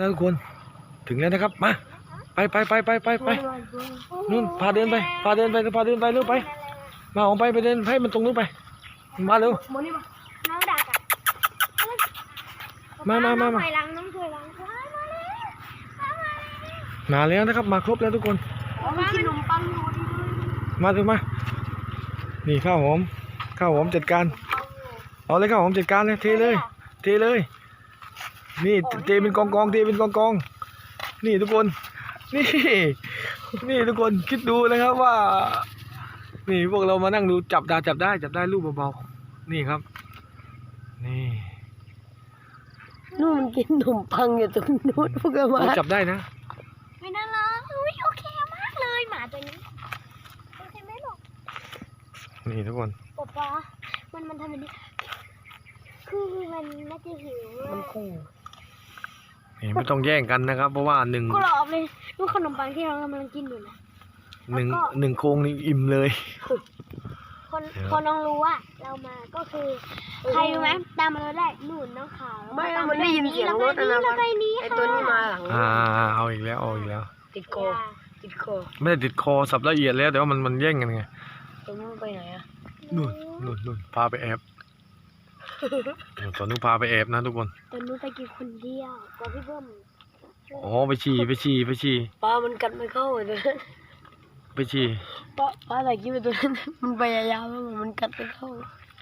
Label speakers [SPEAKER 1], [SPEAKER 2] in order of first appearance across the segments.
[SPEAKER 1] ทุกคนถึงแล้วนะครับมาไปนู่นพาเดินไปเร็วไปมาออกไปเดินให้มันตรงนู้นไปมาเร็ว
[SPEAKER 2] น้องดัก
[SPEAKER 1] มา
[SPEAKER 2] น้องถอยหลัง
[SPEAKER 1] มาแล้วนะครับมาครบแล้วทุกคน
[SPEAKER 2] กินขนมปังอยู่
[SPEAKER 1] มาถึงมานี่ข้าวหอมจัดการเอาเลยข้าวหอมจัดการเลยเทเลยนี่เทเป็นกองนี่ทุกคนนี่ทุกคนคิดดูนะครับว่านี่พวกเรามานั่งดูจับได้รูปเบาๆนี่ครับนี่
[SPEAKER 3] นู่นมันกินขนมปังอยู่ตรงนู้นพวกเรามา
[SPEAKER 1] จับได้นะ
[SPEAKER 2] ไม่น่ารักโอเคมากเลยหมาตัวนี้โอเคไหมลูก
[SPEAKER 1] นี่ทุกคน
[SPEAKER 2] ป๊ามันทำแบบนี้คือมันน่าจะหิว
[SPEAKER 3] มันขู่
[SPEAKER 1] นี่ไม่ต้องแย่งกันนะครับเพราะว่าหนึ่ง
[SPEAKER 2] กรอบเลยลูกขนมปังที่เรากำลังกินอยู่นะ
[SPEAKER 1] หนึ่งโครงนี่อิ่มเลย
[SPEAKER 2] คนน้องรู้ว่าเรามาก็คือใครรู้ไหมตามมาเราได้หนุนน้องขาว
[SPEAKER 3] ไม่มันได้ยินเสียงรถนะไอตัวนี้มาหลัง
[SPEAKER 1] เอาอีกแล้ว
[SPEAKER 3] ติดคอ
[SPEAKER 1] ไม่ได้ติดคอสับละเอียดแล้วแต่ว่ามันแย่งกันไง
[SPEAKER 3] ตัวนู้นไปไหนอะ
[SPEAKER 1] นู่นพาไปแอบตัวนู้นพาไปแอบนะทุกคน
[SPEAKER 2] ตัวนู้นไปกินคนเดียวกับพี่เบิ้ม
[SPEAKER 1] อ๋อไปฉี่
[SPEAKER 3] ปลามันกัดไม่เข้าเลย
[SPEAKER 1] ไปฉี่
[SPEAKER 3] ปลาอะไรกินไปตัวนั้นมันพยายามแล้วมันกัดไม่เข้า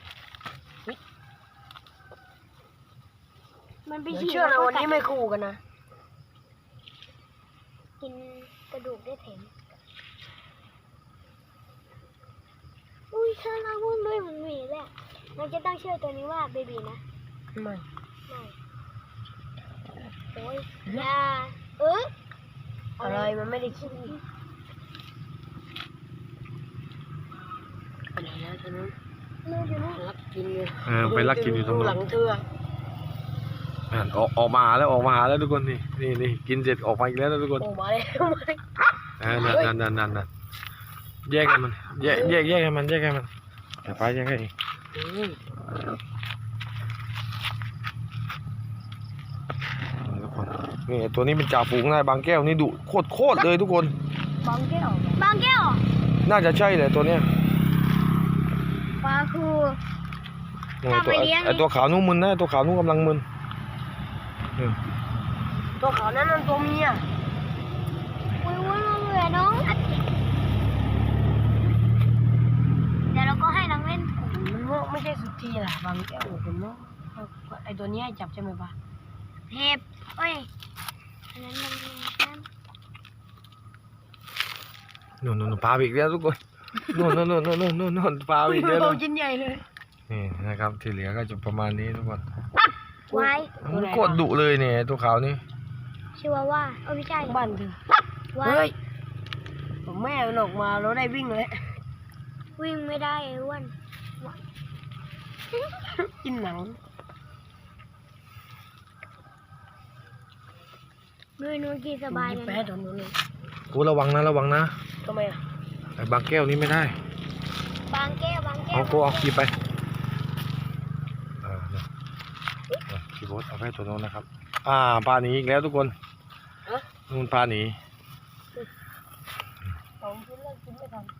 [SPEAKER 2] มันไปฉี่
[SPEAKER 3] เชื่อนะวันนี้ไม่คู่กันนะ
[SPEAKER 2] กินกระดูกได้เถ็มอุ้ยฉันเอาวุ่นด้วยมันมีแหละเราจะตั้งชื่อตัวนี้ว่าเบบีนะ
[SPEAKER 3] ไม่
[SPEAKER 2] โอ้ยยา
[SPEAKER 3] อะไรมันไม่ได้คิดอะไรนะตอนนั้นรักกินเลย
[SPEAKER 1] ไปรักกินอยู่ตรงนู้น
[SPEAKER 3] หลังเธอ
[SPEAKER 1] ออกมาแล้วทุกคนนี่กินเสร็จออกมาอีกแล้วทุกคน
[SPEAKER 3] ออกมาเลย
[SPEAKER 1] นั่นแยกกันมันแยกให้มันแต่ไปแยกให้อีกทุกคนนี่ตัวนี้เป็นจ่าฝูงนายบางแก้วนี่ดุโคตรเลยทุกคน
[SPEAKER 2] บางแก้ว
[SPEAKER 1] น่าจะใช่เลยตัวเนี้ย
[SPEAKER 2] ปลาคู
[SPEAKER 1] ไอตัวขาวนุ่มมึนนะตัวขาวนุ่มกำลังมึน
[SPEAKER 3] ตัวขาวนั้นมันตัวเมีย
[SPEAKER 2] อุ้ยมันเหลือน้องเดี๋ยวเราก็ให้น้องเล่น
[SPEAKER 3] มันไม่ใช่สุดทีแหละบางแก้วผมว่าไอตัวนี้ให้จับใช่ไหมปะ
[SPEAKER 2] เห็บเอ้ยอันนั้น
[SPEAKER 1] นู่นปลาอีกแล้วทุกคนนู่นปลาอีกแล้ว
[SPEAKER 3] ชิ้นใหญ่เลย
[SPEAKER 1] นี่นะครับที่เหลือก็จะประมาณนี้ทุกคน
[SPEAKER 2] ไว้
[SPEAKER 1] มันโคตรดุเลยเนี่ยตัวขาวนี่
[SPEAKER 2] ชื่อว่าไม่ใช่
[SPEAKER 3] บ้านเธอเฮ้ยผมแม่มันออกมาแล้วได้วิ่งเลย
[SPEAKER 2] วิ่งไม่ได้ไอ้อ้วน
[SPEAKER 3] กินหนัง
[SPEAKER 2] นู่นกินสบายเลย
[SPEAKER 3] แพ้ตรงนู้นเลย
[SPEAKER 1] กูระวังนะ
[SPEAKER 3] ทำไมอะ
[SPEAKER 1] ไอ้บางแก้วนี้ไม่ได้
[SPEAKER 2] บางแก้ว
[SPEAKER 1] เอาขี่ไปขี่รถเอาไปตัวโน้นนะครับพาหนีอีกแล้วทุกคนนู่นพาหนี
[SPEAKER 3] ผมกินแล้วกินไม่ทัน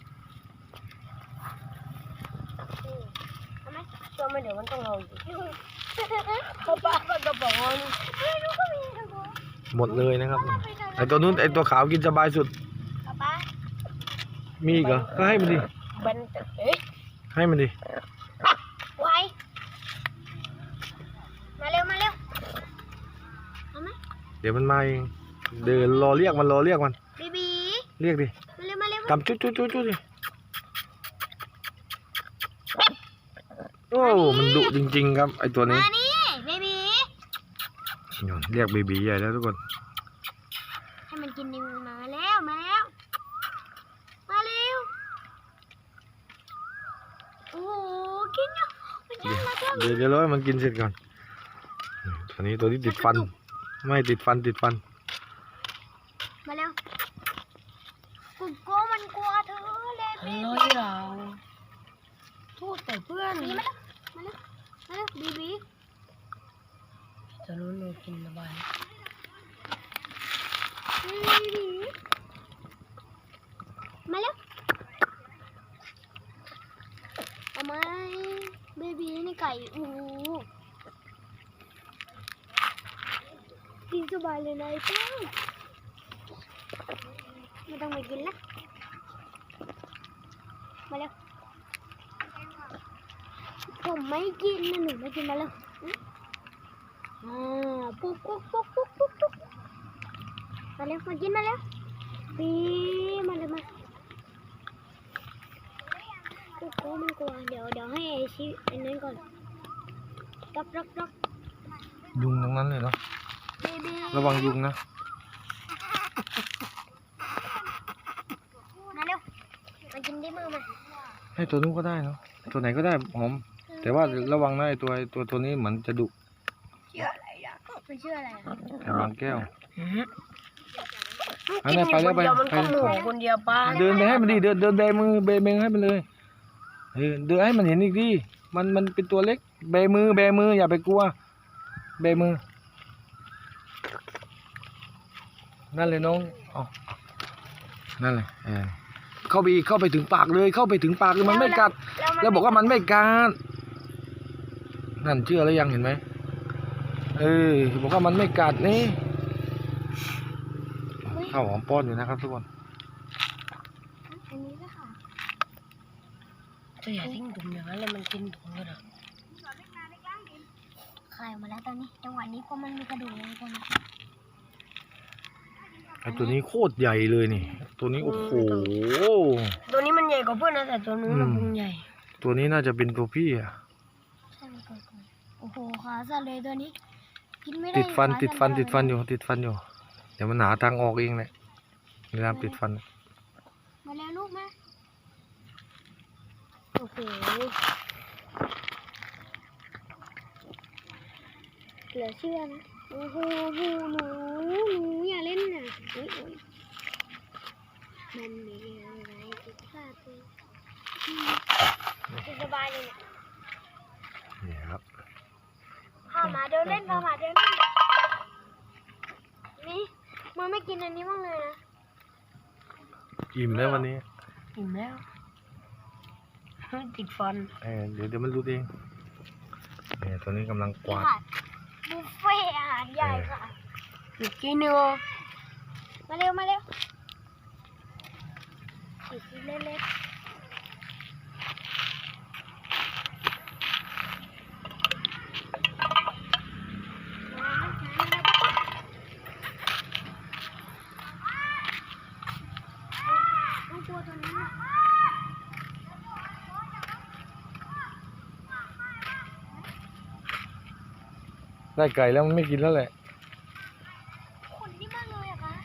[SPEAKER 3] ตัวไม่เดี๋ยวมันต้องเอาอีกเขาป้ามันก็บอกว่า
[SPEAKER 1] หมดเลยนะครับไอตัวนู้นไอตัวขาวกินสบายสุดมีอีกเหรอก็ให้มันดิให้มันดิ
[SPEAKER 2] ไว้มาเร็วเอาไหม
[SPEAKER 1] เดี๋ยวมันมาเองเดินรอเรียกมัน
[SPEAKER 2] บี
[SPEAKER 1] เรียกดิ
[SPEAKER 2] มาเร็ว
[SPEAKER 1] ทำจุ๊ดิโอ้มันดุจริงๆครับไอตัวนี้
[SPEAKER 2] มานี่เบบี
[SPEAKER 1] เรียกเบบีใหญ่แล้วทุกคน
[SPEAKER 2] ให้มันกินดิมาแล้วมาเร็วโอ้กิน
[SPEAKER 1] เดี๋ยวรอให้มันกินเสร็จก่อนตัวนี้ติดฟันไม่ติดฟัน
[SPEAKER 2] มาเร็วกูกลัวมันกลัวเธอเลย
[SPEAKER 3] เราโทษแต่เพื่อน
[SPEAKER 2] มาเร็วบี
[SPEAKER 3] จะรู้เรากินสบาย
[SPEAKER 2] บีมาเร็วเอาไหมเบบีนี่ไก่โอ้โหกินสบายเลยนายเจ้าไม่ต้องไปกินละมาเร็วผมไม่กินนะหนูไม่กินมาเร็วปุ๊กปุ๊กปุ๊กปุ๊กปุ๊กปุ๊กมาเร็วมากินมาเร็วปีมาเลยมาปุ๊กปุ๊กมันกลัวเดี๋ยวให้ไอชิไอ้นั้นก่อนรับ
[SPEAKER 1] ยุงตรงนั้นเลยเนาะ
[SPEAKER 2] เบบี
[SPEAKER 1] ระวังยุงนะ
[SPEAKER 2] มาเร็วมากินได้มือมา
[SPEAKER 1] ให้ตัวนู้นก็ได้เนาะตัวไหนก็ได้หอม แต่ว่าระวังนะไอ้ตัวนี้เหมือนจะดุ
[SPEAKER 3] ชื่ออะไรอ่ะ
[SPEAKER 2] มันชื่ออะไรอะ
[SPEAKER 1] แต่บางแก้ว
[SPEAKER 3] กินอยู่คนเดียวมันก็หมูคนเดียวป้า
[SPEAKER 1] เดินไปให้มันดิเดินเบมือเบให้มันเลยเดินให้มันเห็นอีกดิมันเป็นตัวเล็กเบมืออย่าไปกลัวเบมือนั่นเลยน้องเอานั่นเลยเข้าไปถึงปากเลยมันไม่กัดแล้วบอกว่ามันไม่กัดนั่นเชื่อแล้วยังเห็นไหมบอกว่ามันไม่กัดนี่ข้าวหอมป้อนอยู่นะครับทุกคน
[SPEAKER 2] อันนี้ก็ค่ะ
[SPEAKER 3] จะอย่าทิ้งถุงอย่างนั้นเลยมันกินถุงกันอ่ะ
[SPEAKER 2] คายออกมาแล้วตอนนี้จังหวะนี้เพราะมันมีกระดูกในตัวนี้
[SPEAKER 1] ไอตัวนี้โคตรใหญ่เลยนี่ตัวนี้โอ้โห
[SPEAKER 3] ตัวนี้มันใหญ่กว่าเพื่อนนะแต่ตัวนู้นมันพุงใหญ่
[SPEAKER 1] ตัวนี้น่าจะเป็นตัวพี่อะ
[SPEAKER 2] ใช่ไหมก่อนโอ้โหขาสั่นเลยตัวนี้กินไม่ได้
[SPEAKER 1] ติดฟัน
[SPEAKER 2] ขา
[SPEAKER 1] ติดฟัน
[SPEAKER 2] สั่
[SPEAKER 1] ติดฟันอยู่เดี๋ยวมันหาทางออกเองแหละเวลาติดฟัน
[SPEAKER 2] มาแล้วลูกมาโอ้โหเหลือเชื่อนะโอ้โหหนูอย่าเล่นนะอุ๊ยมันมีอะไรผิดพลาดเลยสบายเลยเนี่ย
[SPEAKER 1] นี่ครับ
[SPEAKER 2] พาหมาเดินเล่นนี่มันไม่กินอันนี้บ้างเลยนะ
[SPEAKER 1] อิ่มแล้ววันนี้
[SPEAKER 3] อิ่มแล้วติดฟัน
[SPEAKER 1] เดี๋ยวมันรู้เองนี่ตัวนี้กำลังกวาด
[SPEAKER 2] บุฟเฟ่อาหารใหญ่ค่ะ
[SPEAKER 3] อีกทีนึง
[SPEAKER 2] มาเร็วอีกทีเล็กต้องตัวตัวนี้
[SPEAKER 1] ได้ไก่แล้วมันไม่กินแล้วแหละ
[SPEAKER 2] ขนนี่มากเลยอะคะ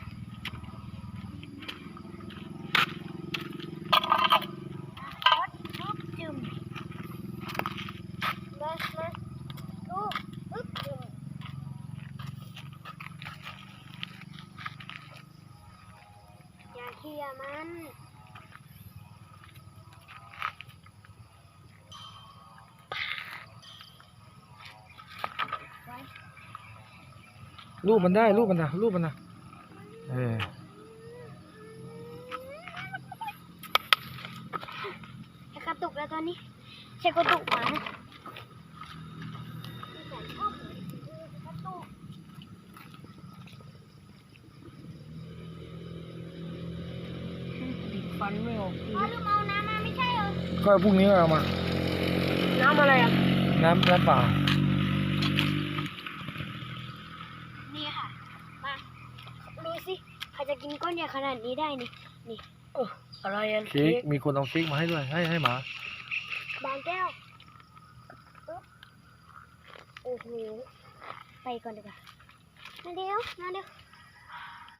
[SPEAKER 2] จึมมาลูกจึมอย่าเขี่ยมัน
[SPEAKER 1] รูปมันนะ
[SPEAKER 2] จะกระตุกแล้วตอนนี้ใช่กระตุกหมานะกระตุก
[SPEAKER 3] ติดฟันไม่ออก
[SPEAKER 2] พ่อลืมเอาน้ำมาไม่ใช่เหรอ
[SPEAKER 1] ก็พรุ่งนี้ก็เอามา
[SPEAKER 3] น้ำอะไรอ่ะ
[SPEAKER 1] น้ำเปล่า
[SPEAKER 2] นี่ค่ะ มาดูสิใครจะกินก้อนใหญ่ขนาดนี้ได้นี่
[SPEAKER 3] อะไรอ่ะ
[SPEAKER 1] เค้กมีคนเอาเค้กมาให้ด้วยให้หมา
[SPEAKER 2] บางแก้วปึ๊บโอ้โห ไปก่อนดีกว่ามาเร็ว